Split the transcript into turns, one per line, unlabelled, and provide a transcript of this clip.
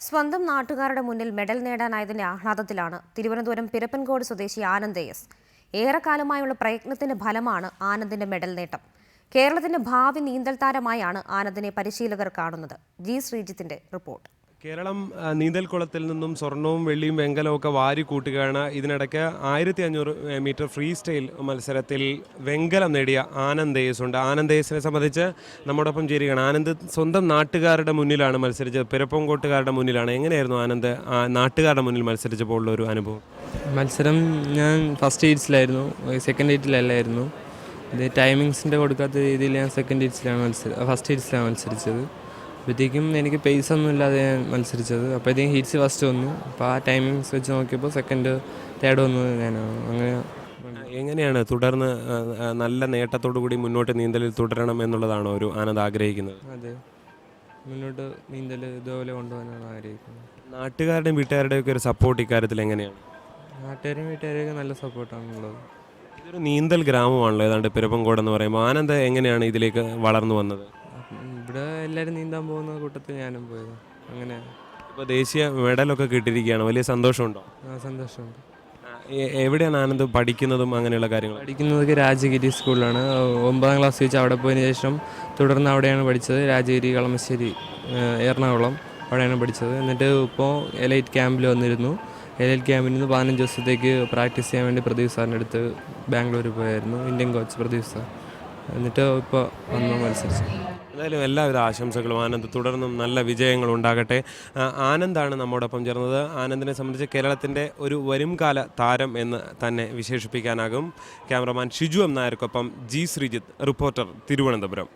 സ്വന്തം നാട്ടുകാരുടെ മുന്നിൽ മെഡൽ നേടാനായതിന്റെ ആഹ്ലാദത്തിലാണ് തിരുവനന്തപുരം പിരപ്പൻകോട് സ്വദേശി ആനന്ദ് എസ്. ഏറെക്കാലമായുള്ള പ്രയത്നത്തിന്റെ ഫലമാണ് ആനന്ദിന്റെ മെഡൽ നേട്ടം. കേരളത്തിന്റെ ഭാവി നീന്തൽ താരമായാണ് ആനന്ദിനെ പരിശീലകർ കാണുന്നത്. ജി ശ്രീജിത്തിന്റെ റിപ്പോർട്ട്.
കേരളം നീന്തൽക്കുളത്തിൽ നിന്നും സ്വർണവും വെള്ളിയും വെങ്കലവും ഒക്കെ വാരി കൂട്ടുകയാണ്. ഇതിനിടയ്ക്ക് 1500 മീറ്റർ ഫ്രീ സ്റ്റൈൽ മത്സരത്തിൽ വെങ്കലം നേടിയ ആനന്ദ് എസ് ഉണ്ട്. ആനന്ദ് എസിനെ സംബന്ധിച്ച് നമ്മോടൊപ്പം ചേരുകയാണ്. ആനന്ദ് സ്വന്തം നാട്ടുകാരുടെ മുന്നിലാണ് മത്സരിച്ചത്, പിരപ്പൻകോട്ടുകാരുടെ മുന്നിലാണ്. എങ്ങനെയായിരുന്നു ആനന്ദ് നാട്ടുകാരുടെ മുന്നിൽ മത്സരിച്ചപ്പോൾ ഉള്ള ഒരു അനുഭവം?
മത്സരം ഞാൻ ഫസ്റ്റ് ഹീറ്റ്സിലായിരുന്നു, സെക്കൻഡ് ഹീറ്റിലല്ലായിരുന്നു. ഇത് ടൈമിങ്സിൻ്റെ കൊടുക്കാത്ത രീതിയിൽ ഞാൻ ഫസ്റ്റ് ഹീറ്റ്സിലാണ് മത്സരിച്ചത്. അപ്പോഴത്തേക്കും എനിക്ക് പേസ് ഒന്നും ഇല്ലാതെ ഞാൻ മത്സരിച്ചത്. അപ്പോഴത്തേക്കും ഹീറ്റ്സ് ഫസ്റ്റ് വന്നു. അപ്പോൾ ആ ടൈമിങ്സ് വെച്ച് നോക്കിയപ്പോൾ സെക്കൻഡ് തേർഡ് വന്നു. ഞാൻ അങ്ങനെ.
എങ്ങനെയാണ് തുടർന്ന് നല്ല നേട്ടത്തോടു കൂടി മുന്നോട്ട് നീന്തലിൽ തുടരണം എന്നുള്ളതാണോ ഒരു ആനന്ദ് ആഗ്രഹിക്കുന്നത്?
അതെ, മുന്നോട്ട് നീന്തൽ ഇതുപോലെ കൊണ്ടുപോകാനാണ് ആഗ്രഹിക്കുന്നത്.
നാട്ടുകാരുടെയും വീട്ടുകാരുടെയും ഒക്കെ ഒരു സപ്പോർട്ട് ഇക്കാര്യത്തിൽ എങ്ങനെയാണ്?
നാട്ടുകാരും വീട്ടുകാരെയൊക്കെ നല്ല സപ്പോർട്ടാണുള്ളത്.
ഇതൊരു നീന്തൽ ഗ്രാമമാണല്ലോ ഏതാണ്ട് പിരപ്പൻകോട് എന്ന് പറയുമ്പോൾ. ആനന്ദ് എങ്ങനെയാണ് ഇതിലേക്ക് വളർന്നു വന്നത്?
ഇവിടെ എല്ലാവരും നീന്താൻ പോകുന്ന കൂട്ടത്തിൽ ഞാനും പോയത്. അങ്ങനെ
ഇപ്പോൾ ദേശീയ മെഡലൊക്കെ കിട്ടിയിരിക്കുകയാണ്. വലിയ സന്തോഷമുണ്ടോ?
സന്തോഷമുണ്ട്.
എവിടെയാണ് ആനന്ദ് പഠിക്കുന്നതും അങ്ങനെയുള്ള കാര്യങ്ങൾ?
പഠിക്കുന്നതൊക്കെ രാജഗിരി സ്കൂളിലാണ്. 9ാം ക്ലാസ് വെച്ച് അവിടെ പോയതിന് ശേഷം തുടർന്ന് അവിടെയാണ് പഠിച്ചത്. രാജഗിരി, കളമശ്ശേരി, എറണാകുളം അവിടെയാണ് പഠിച്ചത്. എന്നിട്ട് ഇപ്പോൾ എലൈറ്റ് ക്യാമ്പിൽ വന്നിരുന്നു. എലൈറ്റ് ക്യാമ്പിൽ നിന്ന് 15 ദിവസത്തേക്ക് പ്രാക്ടീസ് ചെയ്യാൻ വേണ്ടി പ്രദീപ് സാറിൻ്റെ അടുത്ത് ബാംഗ്ലൂർ പോയായിരുന്നു, ഇന്ത്യൻ കോച്ച് പ്രദീപ് സാർ. എന്നിട്ട് ഇപ്പോൾ വന്ന് മത്സരിച്ചു.
എന്തായാലും എല്ലാവിധ ആശംസകളും. ആനന്ദ് തുടർന്നും നല്ല വിജയങ്ങൾ ഉണ്ടാകട്ടെ. ആനന്ദാണ് നമ്മോടൊപ്പം ചേർന്നത്. ആനന്ദിനെ സംബന്ധിച്ച് കേരളത്തിൻ്റെ ഒരു വരുംകാല താരം എന്ന് തന്നെ വിശേഷിപ്പിക്കാനാകും. ക്യാമറമാൻ ഷിജു എം നായർക്കൊപ്പം ജി ശ്രീജിത്ത്, റിപ്പോർട്ടർ, തിരുവനന്തപുരം.